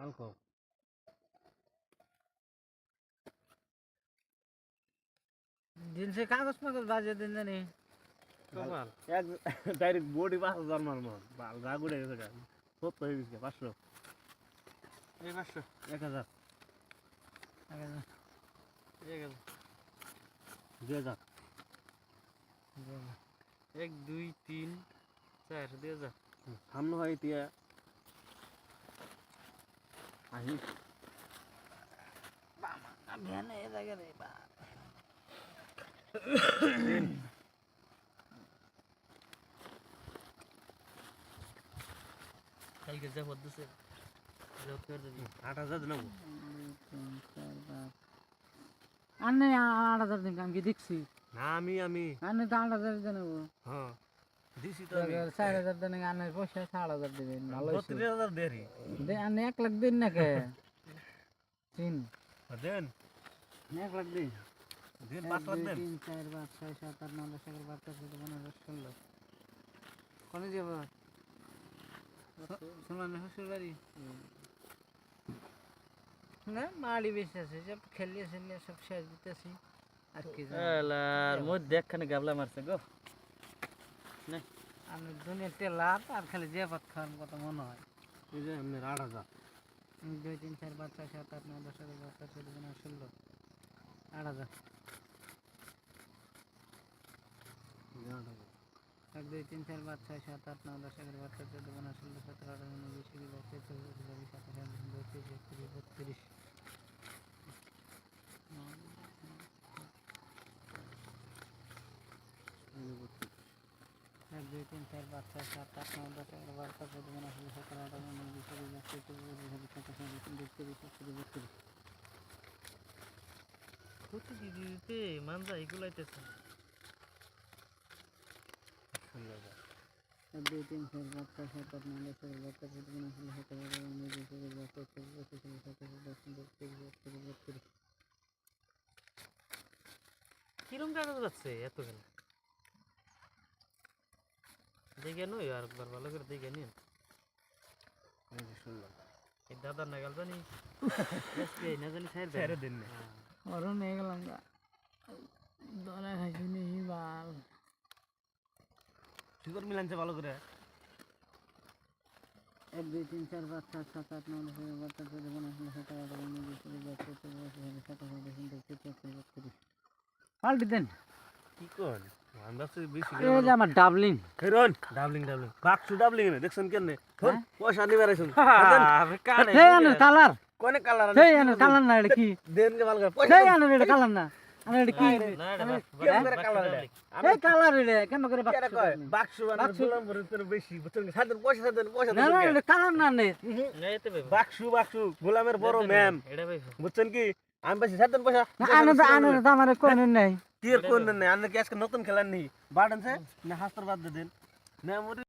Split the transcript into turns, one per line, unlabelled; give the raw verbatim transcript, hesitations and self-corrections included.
অল্প
दिन से कागज मागज बाजे दिन জানি
কপাল এক ডাইরেক্ট বডি পাঁচ হাজার মারমো বাল রাগ উড়ে গেছে গা সত্য হয়ে গেছে পাঁচশো
এই পাঁচশো
এক হাজার
এক হাজার
দুই হাজার
এক দুই তিন চার দুই হাজার
সামনে হয় এতিয়া আহি
ভ্যানে এ জায়গা নেই বা কালকে যা হচ্ছে যত করে দিবি
আট হাজার দিলাম
আনে আট হাজার দিন আমি কি দেখছি
না আমি আমি
আনে তো আট হাজার দিন নেবো
হ্যাঁ দিছি তো আমি
চার হাজার দিন আনে পয়সা সাত হাজার দিবেন ভালো
বত্রিশ হাজার দেরি
দে আনে এক লাখ দিন না কে তিন
দেন
এক লাখ দিন
দিন পাঁচ লাখ দেন
তিন চার পাঁচ ছয় সাত আট নয় দশ এগারো বারো তেরো চৌদ্দ পনেরো ষোলো কোনে যাব শুনলাম শ্বশুর বাড়ি না মাড়ি বেশি আছে সব খেলিয়ে খেলিয়ে সব শেষ দিতেছি আর কি
এলার মধ্যে একখানে গাবলা মারছে গো না
আমি দুনিয়া তেলাপ আর খালি যে ভাত খাওয়ার কথা মনে হয়
এই যে আপনার আট হাজার
দুই তিন চার পাঁচ ছয় সাত আট নয় দশ এগারো বারো তেরো চৌদ্দ পনেরো ষোলো আট হাজার এক দুই তিন চার পাঁচ ছয় সাত আট নয় দশ এগারো বারো তেরো চৌদ্দ পনেরো ষোলো সতেরো আঠারো উনিশ বিশ একুশ বাইশ তেইশ চব্বিশ পঁচিশ ছাব্বিশ সাতাশ আঠাশ উনত্রিশ একত্রিশ বত্রিশ এক দুই তিন চার পাঁচ ছয় সাত আট নয় দশ এগারো বারো তেরো চৌদ্দ পনেরো ষোলো সতেরো আঠারো উনিশ বিশ একুশ বাইশ তেইশ চব্বিশ পঁচিশ ছাব্বিশ সাতাশ আঠাশ উনত্রিশ তিরিশ একত্রিশ বত্রিশ
কত দিদি দিতে মানজা এগুলাইতেছে
এক দুই তিন চার পাঁচ ছয় সাত আট নয় দশ এগারো বারো তেরো চৌদ্দ পনেরো ষোলো সতেরো আঠারো উনিশ বিশ একুশ বাইশ তেইশ চব্বিশ পঁচিশ ছাব্বিশ সাতাশ আঠাশ উনত্রিশ তিরিশ একত্রিশ বত্রিশ
কিরম কাগজ যাচ্ছে এত কেন দেখে নই আর একবার ভালো করে দেখে নিন
শুনলাম
এই দাদার নাগাল জানি না জানি ছাড়
ছেড়ে দিন না
ওরও নিয়ে গেলাম গা দরা খাইছি নিহি বাল
সুন্দর মিলানছে ভালো করে
এক দুই তিন চার পাঁচ ছয় সাত আট নয় দশ এগারো বারো তেরো চৌদ্দ পনেরো ষোলো সতেরো আঠারো উনিশ বিশ একুশ বাইশ তেইশ চব্বিশ পঁচিশ ছাব্বিশ সাতাশ আঠাশ উনত্রিশ তিরিশ একত্রিশ বত্রিশ পাল্টি দেন
কি কোন আমরা তো বেশি
এই যে আমার ডাবলিং
খেরন ডাবলিং ডাবলিং বাক্সু ডাবলিং নে দেখছেন কেন
হ্যাঁ?
পয়সা নিবার আইছুন
আবে কানে
সেই আনে কালার
কোনে কালার
সেই আনে কালার না এটা কি
দেন কে ভালো করে পয়সা
সেই আনে এটা কালার না আনে এটা কি
না এটা
কেন করে কালার এটা
এই কালার এটা কেন করে
কেন
বাক্স
কয় বাক্সু বানার গোলাম ভরে তোর বেশি বুঝছেন সাদেন পয়সা সাদেন পয়সা
না না
দেন
এটা কালার না নে
এইতে ভাই
বাক্সু বাক্সু গোলামের বড় ম্যাম
এটা ভাই
বুঝছেন কি আমি বেশি সাদেন পয়সা
আনে তো আনে তো আমার কোন নাই
তীর কোন নেই আনে কি আজকে নতুন খেলার নেই বাড়েন না হাস্তর বাদ দেন না